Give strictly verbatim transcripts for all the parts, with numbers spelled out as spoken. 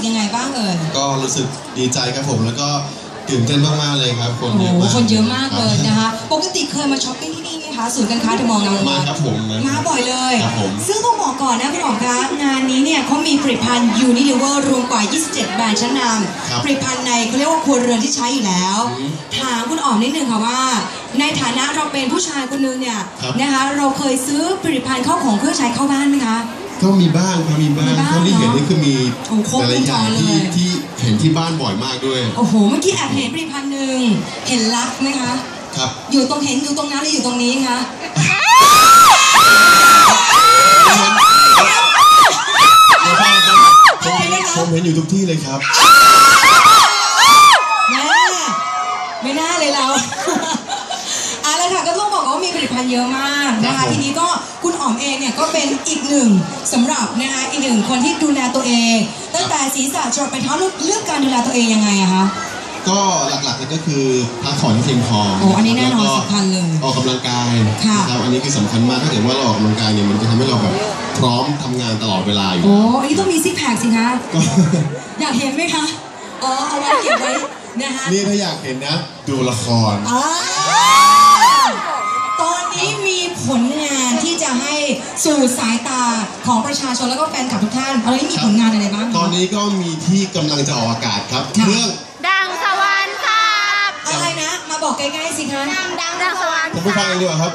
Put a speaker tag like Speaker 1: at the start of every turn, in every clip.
Speaker 1: กยังไงบ้างเอ่ย
Speaker 2: ก็รู้สึกดีใจครับผมแล้วก็ตื่นเต้นมากๆเลยครับคนเยอะมาก
Speaker 1: คนเยอะมากเลยนะคะปกติเคยมาช้อปปิ้งที่นี่ไหมคะศูนย์การค้าเดอะมอลล์นาง
Speaker 2: มาครับผม
Speaker 1: มาบ่อยเลยซึ่งต้องบอกก่อนนะคุณอ๋อมคะงานนี้เนี่ยเขามีผลิตภัณฑ์ยูนิลิเวอร์รวมกว่ายี่สิบเจ็ดแบรนด์ชั้นนำผลิตภัณฑ์ในเขาเรียกว่าครัวเรือนที่ใช้อยู่แล้วถามคุณอ๋อมนิดนึงค่ะว่าในฐานะเราเป็นผู้ชายคนนึงเนี่ยนะคะเราเคยซื้อผลิตภัณฑ์เข้าของเครื่องใช้เข้าบ้านไหมคะ
Speaker 2: ก็มีบ้างครับมีบ้างเท่าที่เห็นนี่คือมีหลายอย่างที่ที่เห็นที่บ้านบ่อยมากด้วย
Speaker 1: โอ้โหเมื่อกี้แอบเห็นผลิตภัณฑ์หนึ่งเห็นลักไหมคะ
Speaker 2: ครับ
Speaker 1: อยู่ตรงเห็นอยู่ตรงนั้นหรืออยู่ตรงนี้คะ
Speaker 2: ผมเห็นอยู่ทุกที่เลยครับ
Speaker 1: แม่ไม่น่าเลยเราอะไรค่ะก็ต้องบอกว่ามีผลิตภัณฑ์เยอะมากนะคะทีนี้ก็คุณอ๋อมเองเนี่ยก็เป็นอีกหนึ่งสำหรับนะคะอีกหนึ่งคนที่ดูแลตัวเองตั้งแต่ศีรษะจรดไปเท้าเลือกการดูแลตัวเองยังไงอะคะ
Speaker 2: ก็หลักๆเลยก็คือพักผ่อนที่เพียงพอ
Speaker 1: โอ้อันนี้แน่นอนสำคัญเลย
Speaker 2: ออกกำลังกายนะครับอันนี้คือสำคัญมากถ้าเกิดว่าเราออกกำลังกายเนี่ยมันจะทำให้เราแบบพร้อมทำงานตลอดเวลาอยู่
Speaker 1: โอ้อันนี้ต้องมีซิกแพคสิคะอยากเห็นไหมคะอ๋อเอาไว้เก็บไว้นะคะ
Speaker 2: นี่ถ้าอยากเห็นนะดูละคร
Speaker 1: ตอนนี้มีผลงานที่จะให้สู่สายตาของประชาชนแล้วก็แฟนคลับทุกท่านตอนนี้มีผลงานอะไรบ้าง
Speaker 2: ตอนนี้ก็มีที่กำลังจะออกอากาศครับเรื่อง
Speaker 3: ดังสวรรค์ครับ
Speaker 1: อะไรนะมาบอกใกล้ๆสิคะ
Speaker 3: ดังดังดังสวรรค์
Speaker 2: ผมไปฟังเองดีกว่าครับ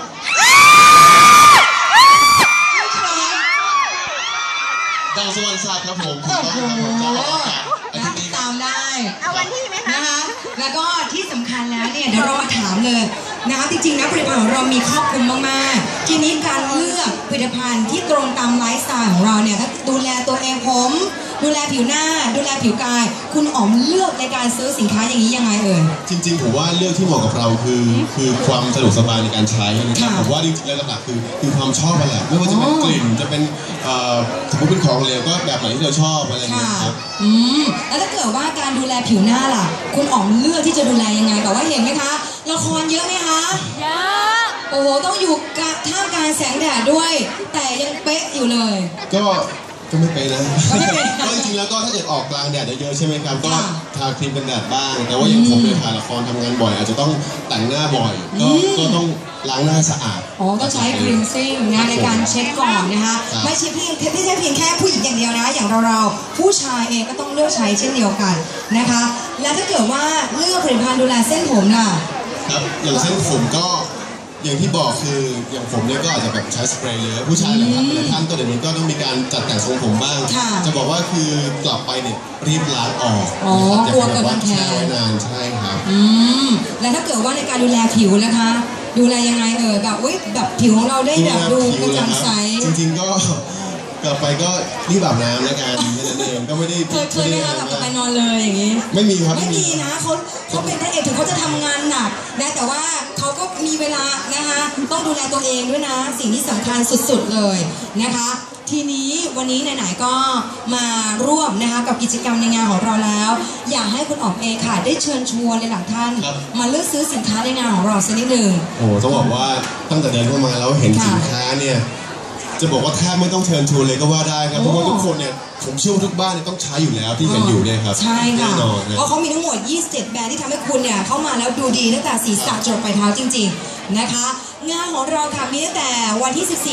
Speaker 2: ดังสวรรค์ศาสตร์ครับผม
Speaker 1: โอ้โหตามได้
Speaker 3: เอาวันที่ไหมคะ
Speaker 1: นะคะแล้วก็ที่สำคัญแล้วเนี่ยเดี๋ยวเรามาถามเลยนะคะจริงๆนะผลิตภัณฑ์ของเรามีครอบคลุมมากๆทีนี้การเลือกผลิตภัณฑ์ที่ตรงตามไลฟ์สไตล์ของเราเนี่ยถ้าดูแลตัวเองผมดูแลผิวหน้าดูแลผิวกายคุณอ๋อมเลือกในการซื้อสินค้าอย่างนี้ยังไงเอ่ย
Speaker 2: จริงๆผมว่าเลือกที่เหมาะกับเราคือคือความสะดวกสบายในการใช้นะครับผมว่าจริงๆแล้วหลักๆคือคือความชอบอะไรไม่ว่าจะเป็นกลิ่นจะเป็นสมมติเป็นของเหลวก็แบบไหนที่เราชอบอะไรอย่างเงี้ยครับ
Speaker 1: อืมแล้วถ้าเกิดว่าการดูแลผิวหน้าล่ะคุณอ๋อมเลือกที่จะดูแลยังไงแต่ว่าเห็นไหมคะละครเยอะไหมคะ
Speaker 3: เยอะ
Speaker 1: โอ้โหต้องอยู่ท่ามกลางแสงแดดด้วยแต่ยังเป๊ะอยู่เลย
Speaker 2: ก็ก็ไม่เป็นนะก็จริงๆแล้วก็ถ้าเกิดออกกลางแดดเยอะๆใช่ไหมครับก็ทาครีมกันแดดบ้างแต่ว่าอย่างผมเนี่ยถ่ายละครทำงานบ่อยอาจจะต้องแต่งหน้าบ่อยก็ก็ต้องล้างหน้าสะอาด
Speaker 1: อ๋อต้องใช้ครีมซิ่งนะในการเช็ดก่อนนะคะไม่ใช่เพียงไม่ใช่เพียงแค่ผู้หญิงอย่างเดียวนะอย่างเราเราผู้ชายเองก็ต้องเลือกใช้เช่นเดียวกันนะคะและถ้าเกิดว่าเลือกผลิตภัณฑ์ดูแลเส้นผมล่ะ
Speaker 2: ครับอย่างเส้นผมก็อย่างที่บอกคืออย่างผมเนี่ยก็อาจจะแบบใช้สเปรย์เยอะผู้ชายหลายท่านหลายท่านก็เดี๋ยวนี้ก็ต้องมีการจัดแต่งทรงผมบ้างจะบอกว่าคือกลับไปเนี่ยรีบล้างออก
Speaker 1: อ๋อกลัวกับมันแช่
Speaker 2: ไว้นานใช่ครับ
Speaker 1: อืมแล้วถ้าเกิดว่าในการดูแลผิวนะคะดูแลยังไงเออแบบอุ้ยแบบผิวของเราได้แบบดูกระจ่างใส
Speaker 2: จริงๆก็กลับไปก็รีบอาบน้ำแล้วกันนั่นเองก็ไม่ได้
Speaker 1: เคยเคยไหมคะกลับไปนอนเลยอย่างนี้
Speaker 2: ไม่มีครับ
Speaker 1: ไม่มีนะเขาเขาเป็นพระเอกถึงเขาจะทำงานหนักนะแต่ว่าเขาก็มีเวลานะคะต้องดูแลตัวเองด้วยนะสิ่งที่สำคัญสุดๆเลยนะคะทีนี้วันนี้ไหนๆก็มาร่วมนะคะกับกิจกรรมในงานของเราแล้วอยากให้คุณอ๋อมเองค่ะได้เชิญชวนในหลักท่านมาเลือกซื้อสินค้าในงานของเราสักนิดหนึ่ง
Speaker 2: โอ้ต้องบอกว่าตั้งแต่เดินเข้ามาแล้วเห็นสินค้าเนี่ยจะบอกว่าแทบไม่ต้องเชิญชวนเลยก็ว่าได้ครับเพราะว่าทุกคนเนี่ยผมเชื่อว่าทุกบ้านเนี่ยต้องใช้อยู่แล้วที่เห็นอยู่เนี่ยครับ
Speaker 1: ใช่ค่ะเพราะเขามีทั้งหมดยี่สิบเจ็ดแบรนด์ที่ทำให้คุณเนี่ยเข้ามาแล้วดูดีตั้งแต่ศีรษะจรดปลายเท้าจริงๆนะคะงานของเราค่ะมีตั้งแต่วันที่สิบสี่